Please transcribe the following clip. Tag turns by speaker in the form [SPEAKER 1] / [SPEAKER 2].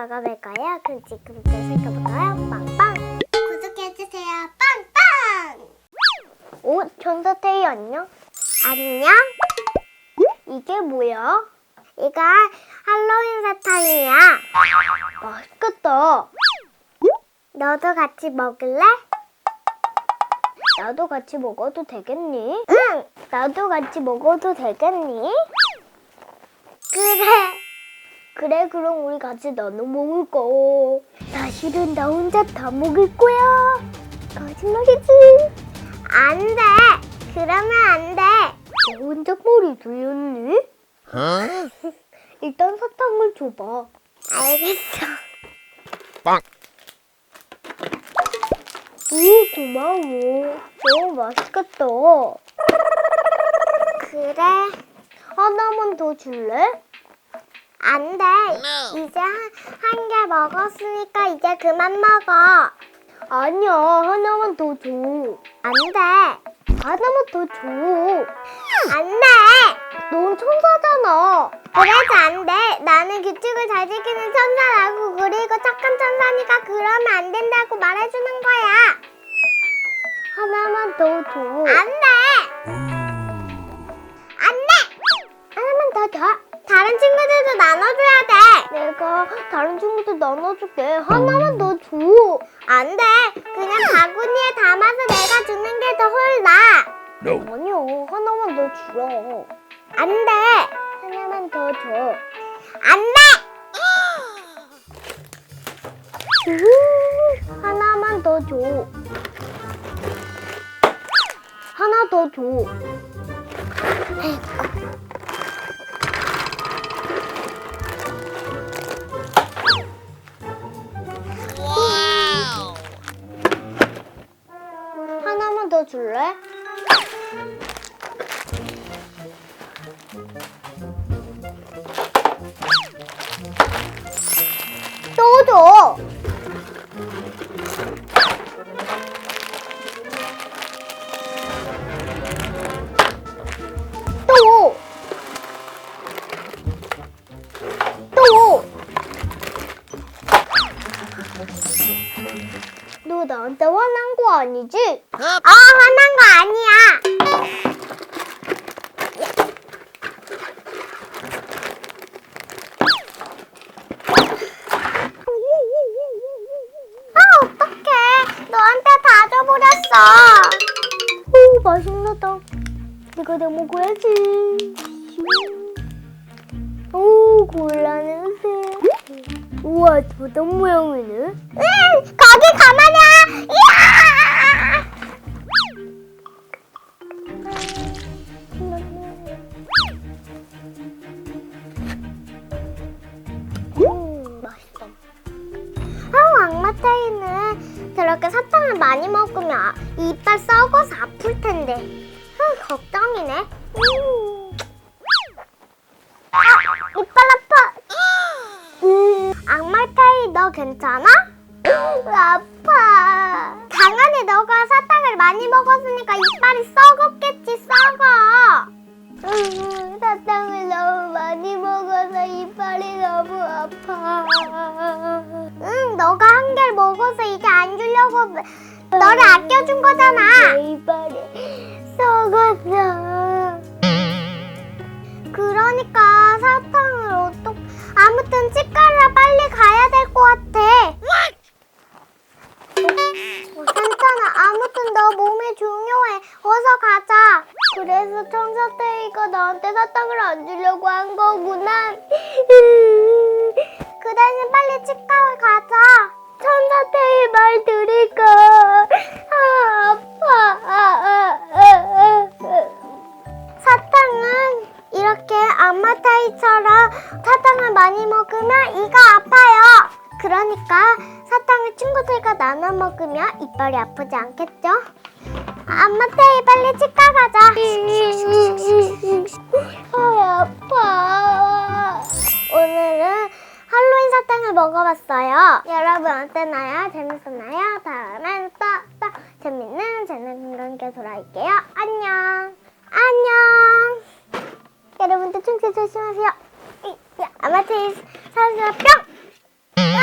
[SPEAKER 1] 먹어볼까요? 그럼 지금부터 시작해볼까요? 빵빵! 구독해주세요. 빵빵! 오, 천사태희 안녕? 안녕? 이게 뭐야? 이거 할로윈 사탕이야. 맛있겠다. 너도 같이 먹을래? 나도 같이 먹어도 되겠니? 응! 나도 같이 먹어도 되겠니? 그래, 그럼 우리 같이 나눠 먹을 거. 사실은 나 혼자 다 먹을 거야. 거짓말이지. 안 돼. 그러면 안 돼. 너 혼자 머리 돌렸니? 일단 사탕을 줘봐. 알겠어.
[SPEAKER 2] 빵!
[SPEAKER 1] 오, 고마워. 너무 맛있겠다. 그래. 하나만 더 줄래? 안 돼. 이제 한 개 먹었으니까 이제 그만 먹어. 아니야, 하나만 더 줘. 안 돼. 하나만 더 줘. 안 돼. 넌 천사잖아. 그래서 안 돼. 나는 규칙을 잘 지키는 천사라고. 그리고 착한 천사니까 그러면 안 된다고 말해주는 거야. 하나만 더 줘. 안 돼. 안 돼. 하나만 더 줘. 다른 친구들도 나눠줘야 돼. 내가 다른 친구들 나눠줄게. 하나만 더 줘. 안 돼. 그냥 바구니에 담아서 내가 주는 게 더 홀라. 아니요. 하나만 더 주라. 안 돼. 하나만 더 줘. 안 돼. 하나만 더 줘. 하나 더 줘. 하나만 더 줄래? 또 줘. 또. 너 나한테 화난 거 아니지? 화난 거 아니야. 어떡해. 너한테 다 줘버렸어. 오, 맛있나다. 이거 내 먹어야지. 오, 곤란해세. 우와, 도덕 모양이네. 거기 가만히. 이야! 맛있어. 악마태이는 저렇게 사탕을 많이 먹으면 이빨 썩어서 아플 텐데. 걱정이네. 이빨 아파. 악마태이 너 괜찮아? 아파. 당연히 너가 사탕을 많이 먹었으니까 이빨이 썩었겠지. 썩어. 사탕을 너무 많이 먹어서 이빨이 너무 아파. 너가 한 개를 먹어서 이제 안 주려고 너를 아껴준 거잖아. 내 이빨이 썩었어. 그러니까 사탕을 아무튼 치과를 빨리 가야 될 것 같아. 괜찮아. 아무튼 너 몸이 중요해. 어서 가자. 그래서 천사태이가 나한테 사탕을 안 주려고 한 거구나. 그 대신 빨리 치과에 가자. 천사태이 말 들을까? 아파. 사탕은 이렇게 악마태이처럼 사탕을 많이 먹으면 이가 아파요. 그러니까 사탕을 친구들과 나눠 먹으면 이빨이 아프지 않겠죠? 악마태이 빨리 치과 가자. 아파. 오늘은 할로윈 사탕을 먹어봤어요. 여러분 어땠나요? 재밌었나요? 다음엔 또 재밌는 재능과 함께 돌아올게요. 안녕. 여러분들 충치 조심하세요. 아마테이 사랑스러 뿅!